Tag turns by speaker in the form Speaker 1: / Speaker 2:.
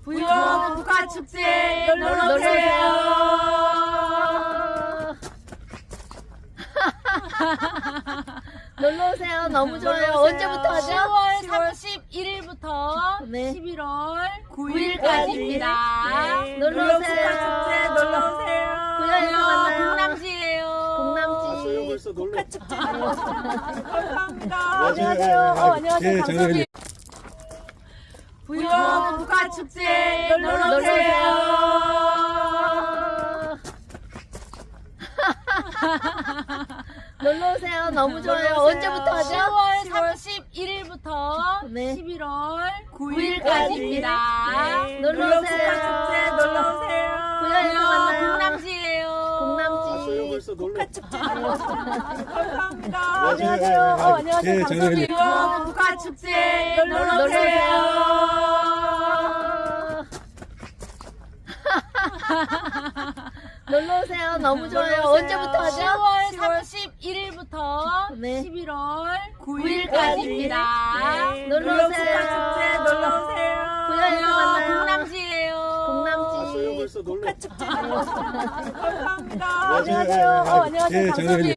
Speaker 1: 부영 국가축제 놀러오세요.
Speaker 2: 놀러오세요. 너무 좋아요. 언제부터 하죠?
Speaker 1: 10월 31일부터
Speaker 2: 네.
Speaker 1: 11월 9일까지입니다.
Speaker 2: 네. 놀러오세요.
Speaker 1: 국가축제 놀러오세요.
Speaker 2: 부영에서 만나요.
Speaker 1: 공남지예요.
Speaker 2: 공남지.
Speaker 3: 벌써 놀러.
Speaker 1: 감사합니다.
Speaker 3: 안녕하세요.
Speaker 1: 안녕하세요.
Speaker 3: 예,
Speaker 1: 감사합니다. 부영 국가축제 놀러오세요.
Speaker 2: 놀러오세요. 너무 좋아요. 언제부터 하죠?
Speaker 1: 10월 31일부터
Speaker 2: 네.
Speaker 1: 11월 9일까지입니다.
Speaker 2: 놀러오세요.
Speaker 1: 국가축제 놀러오세요.
Speaker 2: 부영에서 만나요.
Speaker 1: 공남지예요.
Speaker 2: 공남지.
Speaker 3: 벌써 놀러.
Speaker 1: 감사합니다.
Speaker 3: 안녕하세요. 예,
Speaker 1: 감사합니다. 부영 국가축제 놀러오세요.
Speaker 2: 놀러오세요. 너무 좋아요. 언제부터 하죠?
Speaker 1: 10월 31일부터
Speaker 2: 네.
Speaker 1: 11월 9일까지입니다.
Speaker 2: 놀러오세요.
Speaker 1: 국가축제 놀러오세요.
Speaker 2: 부영에서 만나요.
Speaker 1: 공남지예요.
Speaker 2: 공남지.
Speaker 3: 벌써 놀러.
Speaker 1: 감사합니다.
Speaker 3: 안녕하세요.
Speaker 1: 안녕하세요.
Speaker 3: 예,
Speaker 1: 감사합니다.